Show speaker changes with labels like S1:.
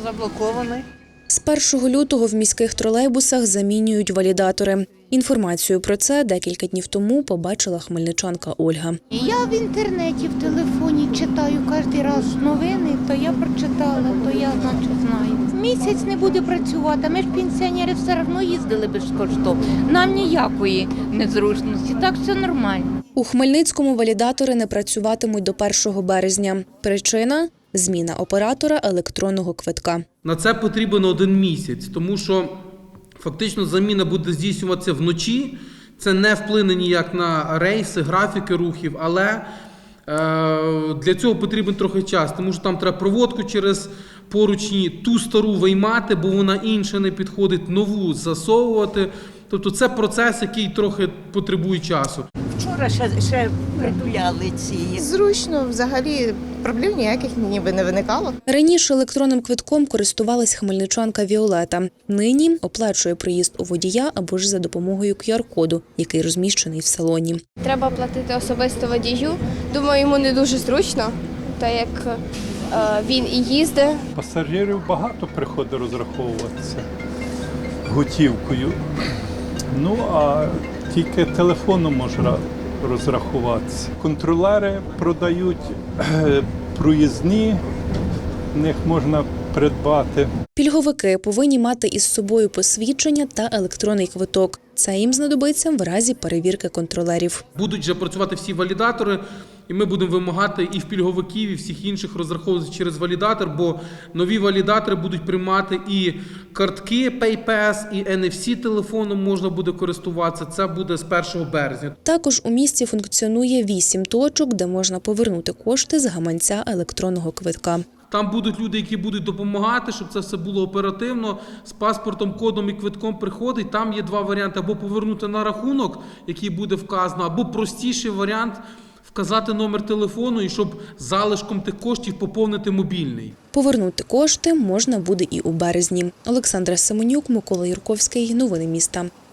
S1: заблокований.
S2: З 1 лютого в міських тролейбусах замінюють валідатори. Інформацію про це декілька днів тому побачила хмельничанка Ольга.
S3: Я в інтернеті, в телефоні читаю кожен раз новини, то я прочитала, то я, значить, знаю. Місяць не буде працювати, ми ж пенсіонери все одно їздили безкоштовно. Нам ніякої незручності, так все нормально.
S2: У Хмельницькому валідатори не працюватимуть до 1 березня. Причина – зміна оператора електронного квитка.
S4: На це потрібен 1 місяць, тому що фактично заміна буде здійснюватися вночі. Це не вплине ніяк на рейси, графіки рухів, але для цього потрібен трохи час, тому що там треба проводку через поручні, ту стару виймати, бо вона інша не підходить, нову засовувати. Тобто це процес, який трохи потребує часу.
S5: Вчора ще притуляли ці.
S6: Зручно, взагалі проблем ніяких ніби не виникало.
S2: Раніше електронним квитком користувалась хмельничанка Віолета. Нині оплачує проїзд у водія або ж за допомогою QR-коду, який розміщений в салоні.
S7: Треба платити особисто водію. Думаю, йому не дуже зручно, так як він і їздить.
S8: Пасажирів багато приходить розраховуватися готівкою. Ну, а тільки телефоном можна розрахуватися. Контролери продають проїзні, в них можна придбати.
S2: Пільговики повинні мати із собою посвідчення та електронний квиток. Це їм знадобиться в разі перевірки контролерів.
S4: Будуть вже працювати всі валідатори, і ми будемо вимагати і в пільговиків, і всіх інших розраховувати через валідатор, бо нові валідатори будуть приймати і картки PayPass, і NFC телефоном можна буде користуватися. Це буде з 1 березня.
S2: Також у місті функціонує 8 точок, де можна повернути кошти з гаманця електронного квитка.
S4: Там будуть люди, які будуть допомагати, щоб це все було оперативно. З паспортом, кодом і квитком приходить. Там є 2 варіанти. Або повернути на рахунок, який буде вказано, або простіший варіант – вказати номер телефону і щоб залишком тих коштів поповнити мобільний.
S2: Повернути кошти можна буде і у березні. Олександра Семенюк, Микола Юрковський. Новини міста.